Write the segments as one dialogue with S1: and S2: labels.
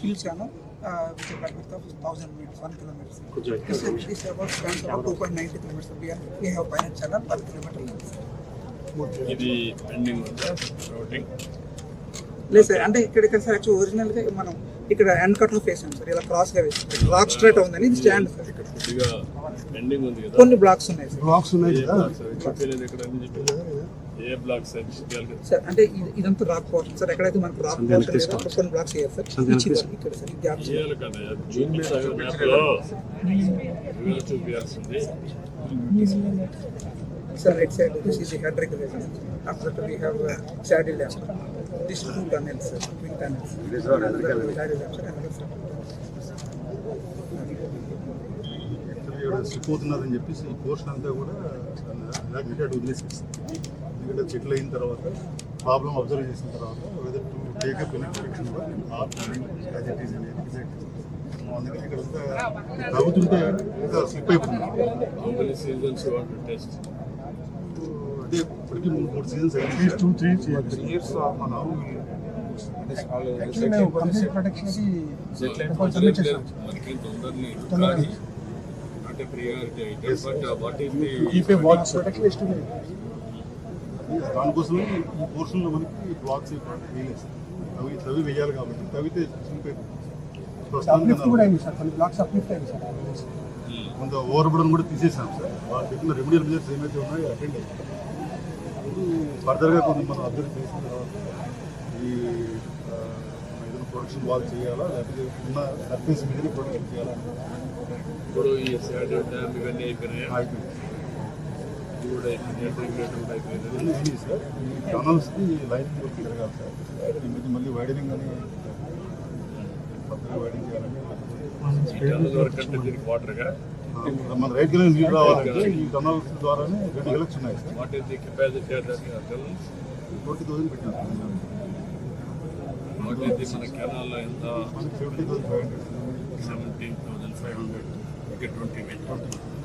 S1: fields, which are cut width of 1,000 meters, 1 kilometer. This about spans about 2.90 kilometers. We have pilot channel 1 kilometer length.
S2: ఇది pending routing
S1: లేదు sir, అంటే ఇక్కడ sir actual ఒరిజినల్గా మనం ఇక్కడ end కట్లో ఫేసాం sir, ఇలా క్రాస్గా వేసి రాక్ స్ట్రైట్ ఉందని ఇది స్టాండ్ సార్.
S2: ఇక్కడ కొద్దిగా పెండింగ్ ఉంది కదా,
S1: కొన్ని బ్లాక్స్ ఉన్నాయి సార్.
S3: బ్లాక్స్ ఉన్నాయి కదా
S2: చెప్పలేదు ఇక్కడ అని చెప్పి ఏ బ్లాక్ సార్
S1: సార్, అంటే ఇదంతా రాక్ పోర్షన్ సార్. ఎక్కడైతే మనకు రాక్ పోర్షన్ లేదో అక్కడ కొన్ని బ్లాక్స్ వేయాలి సార్. ఇక్కడ సార్ ఇది ఆప్షన్
S2: చేయాలి కదా, చూపించాలి మ్యాప్లో చూపించాల్సింది.
S1: Sir, right side, this is the head regulation. After that, we have saddle lamp. This is 2 tunnels, sir, twin tunnels. This is saddle lamp, sir, another sir.
S3: Slip అవుతున్నదని చెప్పేసి ఈ పోర్షన్ అంతా కూడా యాక్టివేట్ వదిలేసేసి, ఎందుకంటే చెట్లు అయిన తర్వాత ప్రాబ్లమ్ అబ్జర్వ్ చేసిన తర్వాత వెదర్ టు టేకప్ ఎలక్ట్రిఫికేషన్ అందుకని ఇక్కడ తగ్గుతుంటే ఇంకా స్లిప్ అయిపోతుంది. అంటే ఇప్పటికీ 3 సీజన్స్ అయింది. 2-3 years మనం దానికోసమే ఈ పోర్షన్లో మనకి బ్లాక్స్ వేయలేదు. తవి వేయాలి కాబట్టి తవితే స్లిప్ అయిపోతుంది. కొంత ఓవర్బుడన్ కూడా తీసేసాం సార్. వాళ్ళు చెప్పిన రెమెడియల్ మెజర్స్ ఏమైతే ఉన్నాయో అటెండ్ అయ్యాయి. ఫర్దర్గా కొంత మనం అబ్జర్వ్ చేసిన తర్వాత ఈ ఏదైనా ప్రొడక్షన్ వాల్ చేయాలా, లేకపోతే ఉన్న సర్ఫేస్ మీద ప్రొడక్షన్ చేయాలా.
S2: ఇప్పుడు ఈ శాటిల్ డ్యామ్ ఇవన్నీ అయిపోయినాయి
S3: సార్. ఈ టనల్స్కి లైన్ వర్క్ జరగాలి సార్. ఈ మీద మళ్ళీ వైడనింగ్ అని కొత్తగా వైడింగ్ చేయాలని
S2: వాటర్గా
S3: మన రైట్ గా నీళ్ళు రావాలంటే ఈ టనల్స్ ద్వారానే 2 ఎలక్స్ ఉన్నాయి sir.
S2: What is the capacity
S3: 20,000 పెట్టాం.
S2: వాట్ ఈస్ ది మన కెనాల్లో ఎంత
S3: 70,500.
S2: 17,500 ఓకే 20 మీటర్.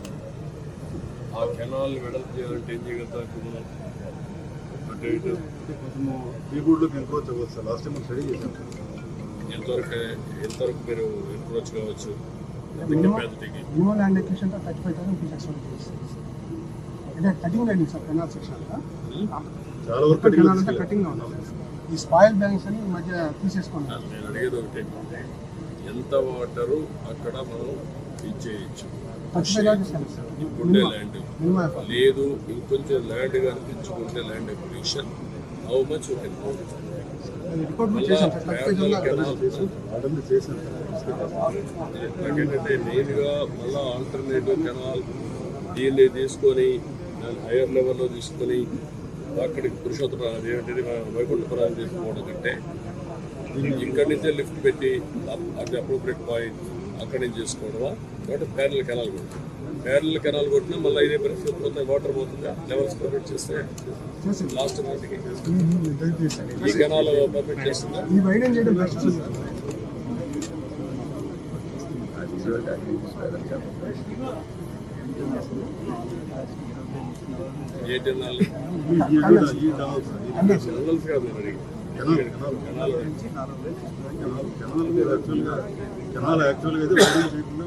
S2: ఆ కెనాల్ వెడల్పు చేయాలంటే ఏం చేయగలుగుతాం ఇప్పుడు మనం? అటు ఇటు
S3: కొంచెము బీబోర్డ్లోకి ఎంక్రోచ్ అవ్వచ్చు సార్. లాస్ట్ టైం మనం స్టడీ చేసాం సార్.
S2: ఎంతవరకు మీరు ఎంక్రోచ్ కావచ్చు కెపాసిటీకి?
S4: మినిమం ల్యాండ్ ఎక్విజిషన్ 35,000 పీసెస్ అంటే cutting land sir. Canal section
S3: చాలా వరకు
S4: కటింగ్ లో ఉంది. ఈ స్పాయిల్ బ్యాంక్స్ అని ఈ మధ్య తీసేసుకున్నాం.
S2: నేను అడిగేది ఒకటే, ఎంత వాటరు అక్కడ మనం ఇచ్చేయచ్చు? ఉండే ల్యాండ్ లేదు, ఇంకొంచెం ల్యాండ్ కానీ తెచ్చుకుంటే ల్యాండ్ ఎక్విజిషన్ హౌ మచ్ నాకేంటంటే మెయిన్గా మళ్ళీ ఆల్టర్నేటివ్ కెనాల్ దీన్ని తీసుకొని దాన్ని హైయర్ లెవెల్లో తీసుకొని అక్కడికి పురుషోత్తరం అదేంటంటే వైకుంఠపురాన్ని తీసుకోవడం కంటే ఇక్కడి నుంచే లిఫ్ట్ పెట్టి అది అప్రోప్రియట్ పాయింట్ అక్కడి నుంచి చేసుకోవడమా, కాబట్టి ప్యారల్ కెనాల్ కొట్టాం. ప్యారల్ కెనాల్ కొట్టినా మళ్ళీ ఇదే పరిస్థితి పోతే వాటర్ పోతుందా, లెవెల్స్ పర్మిట్ చేస్తే లాస్ట్ నాటికి ఈ కెనాల్ పర్మిట్ చేస్తుందా? ఏ కెనాల్? కెనాల్స్ కాదు నేను అడిగి.
S3: కెనాల్ యాక్చువల్గా అయితే వైడింగ్ చేయకుండా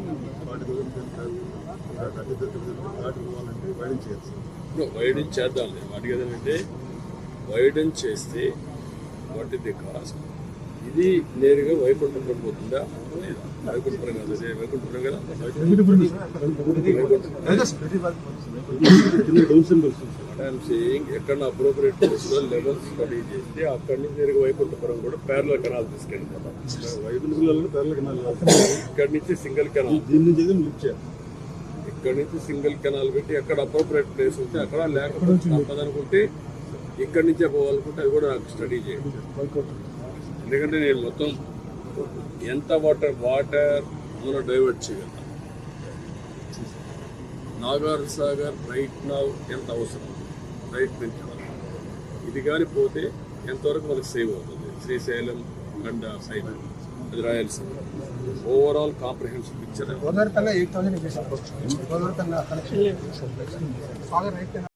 S3: వైడింగ్ చేయొచ్చు.
S2: వైడింగ్ చేద్దాం. అడిగేదంటే వైడింగ్ చేస్తే వాట్ ఇస్ ది కాస్ట్? ఇది నేరుగా వైకుంఠపురం పోతుందా? వైకుంఠపురం కాదు, అదే వైకుంఠపురం కదా. ఎక్కడ అప్రోప్రియట్ ప్లేస్లో లెవెల్ స్టడీ చేస్తే అక్కడి నుంచి నేరుగా వైకుంఠపురం కూడా ప్యారలల్ కెనాల్ తీసుకెళ్ళిపోతాం.
S3: వైకుంఠపురంలో ప్యారలల్ కెనాల్
S2: ఇక్కడి నుంచి సింగిల్ కెనాల్,
S3: దీని నుంచి లిఫ్ట్ చేయాలి.
S2: ఇక్కడి నుంచి సింగిల్ కెనాల్ పెట్టి ఎక్కడ అప్రోప్రియట్ ప్లేస్ ఉంటే అక్కడ, లేకపోతే తప్పదనుకుంటే ఇక్కడి నుంచే పోవాలనుకుంటే అది కూడా నాకు స్టడీ చేయండి. ఎందుకంటే నేను మొత్తం ఎంత వాటర్ మనం డైవర్ట్ చేయగలుగుతాం. నాగార్ సాగర్ రైట్ నా ఎంత అవసరం, రైట్ నుంచి ఇది కానీ పోతే ఎంతవరకు మనకు సేవ్ అవుతుంది? శ్రీశైలం అండ్ సైడ్ అది Rayalaseema overall comprehensive picture.
S4: Godavari కన్నా 8,000 కనెక్షన్